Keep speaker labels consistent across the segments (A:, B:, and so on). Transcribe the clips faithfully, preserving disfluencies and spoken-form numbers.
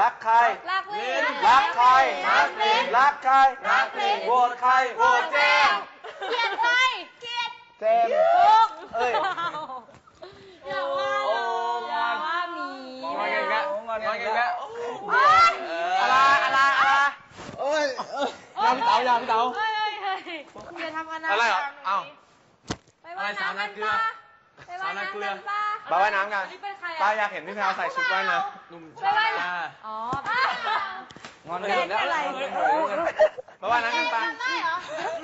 A: รักใคร
B: รักลิ้น
A: รักใคร
B: รักลิ้น
A: รักใคร
B: รักลิ้น
A: โหวตใครโหวตเจมส์
B: เกลียดใครเกลียด
C: เจมส์
B: ถูก
A: เอ้ย
B: อย่าว่าอย่าว่ามี
A: งอนกันแล้วงอนกันแล้ว
C: อะไรอะไรอะไรเอ้ยยำเต๋ายำเต๋า
B: เฮ้ยเฮ้ยเฮ้ยอย่าทำกันนะ
A: อะไรเหรอเอ้า
B: ไปว่ายน้ำกันป้าไปว่ายน้ำกันป้า
A: ไปว่ายน้ำกัน
B: นี่เป็นใคร
A: ป้า
B: อ่ะ
A: อยากเห็นพี่แพรวใส่ชุดว่ายน้ำหนุ่ม
B: ไปว่ายน้ำอ๋อไป
A: งอน
B: เล่นอะไร
A: ไปว่ายน้ำกันป้า
B: ได้เหรอ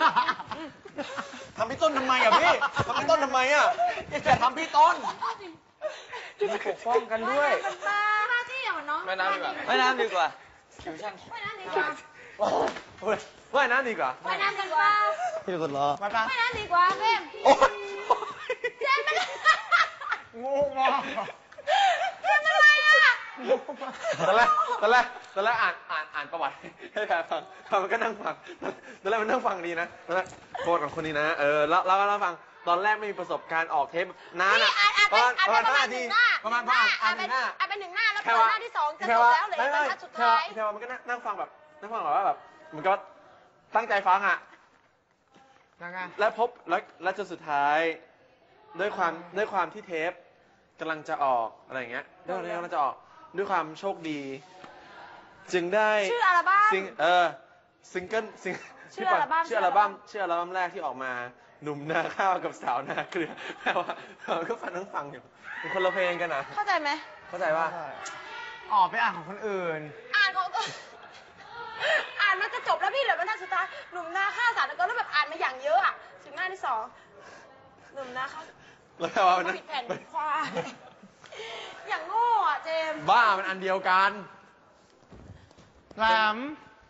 A: ทำพี่ต้นทำไมอ่ะพี่ทำพี่ต้นทำไมอ่ะอย่าทำพี่ต้นจะปกป้องกันด้วย
B: กันป้าหน้าที่ของน้อง
A: ว่ายน้ำดีกว่าว่ายน้ำดีกว่าคิวช่าง
B: ว่ายน้ำดีกว่า
A: ว่ายน้ำดีกว่า
B: ว่ายน้ำกันป้า
C: พี่คนรอมาปะ
B: ว่ายน้ำดีกว่าเพ่ม
A: โอ้ย
B: เจมเป็น
C: งูมอง
B: เจมเป็นอะไรอ่ะ
A: ตอนแรกตอนแรกตอนแรกอ่านอ่านอ่านประวัติให้แพรฟังแพรมันก็นั่งฟังตอนแรกมันนั่งฟังดีนะตอนแรกโค้ดของคนนี้นะเออแล้วแล้วก็นั่งฟังตอนแรกไม่มีประสบการณ์ออกเทปนานอ่ะประมาณประมาณห้านาทีประมาณประมาณอ่านหนึ่งหน้า
B: อ่านเป็นหนึ่งหน้าแล้วเปิดหน้าที่สองจะจบแล้วเหลยบรรทัดสุดท้าย
A: แพรมันก็นั่งฟังแบบนั่งฟังแบบว่าแบบมันก็ตั้งใจฟังอ่ะ
C: ยังไง
A: และพบแล้วและจนสุดท้ายด้วยความด้วยความที่เทปกำลังจะออกอะไรอย่างเงี้ยด้วยความที่กำลังจะออกด้วยความโชคดี จึงได้
B: ชื่ออัลบั้ม
A: ซิงเออซิงเกิลซิง
B: ชื่ออัลบั้ม
A: ชื่ออัลบั้มชื่ออัลบั้มแรกที่ออกมาหนุ่มนาข้าวกับสาวนาเกลือแปลว่าเราก็ฟังทั้งฟังอยู่เป็นคนละเพลงกันนะ
B: เข้าใจไหม
A: เข้าใจว่า
C: ออกไปอ่านของคนอื่น
B: อ่านของตัวอ่านมันจะจบแล้วพี่เหลือบรรทัดสุดท้ายหนุ่มนาฆ่าสารแล้วก็แบบอ่านมาอย่างเยอะอ่ะถึงหน้าที่สองหนุ่มนาฆ่า
A: แล้วแปลว่ามัน
B: ผิดแผ่นผิดควายอย่างโง่อ่ะเจมส์
A: บ้ามันอันเดียวกัน
C: แหลม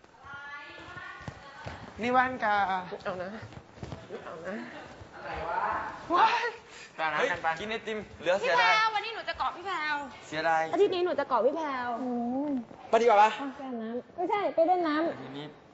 C: นี่แว่นกา
A: เอานะเอานะ
C: ว้าย
A: ไปน้ำกันไปกินไอติมเหลือ
B: พี่
A: เสีย
B: แพร
A: ดายว
B: วันนี้หนูจะเกาะพี่แพรว
A: เสียดาย
B: อาทิตย์นี้หนูจะเกาะพี่แพรว
A: ไปดีกว่าปะ
B: แค่น้ำไม่ใช่ไปเล่นน้ำ
A: ทีนี้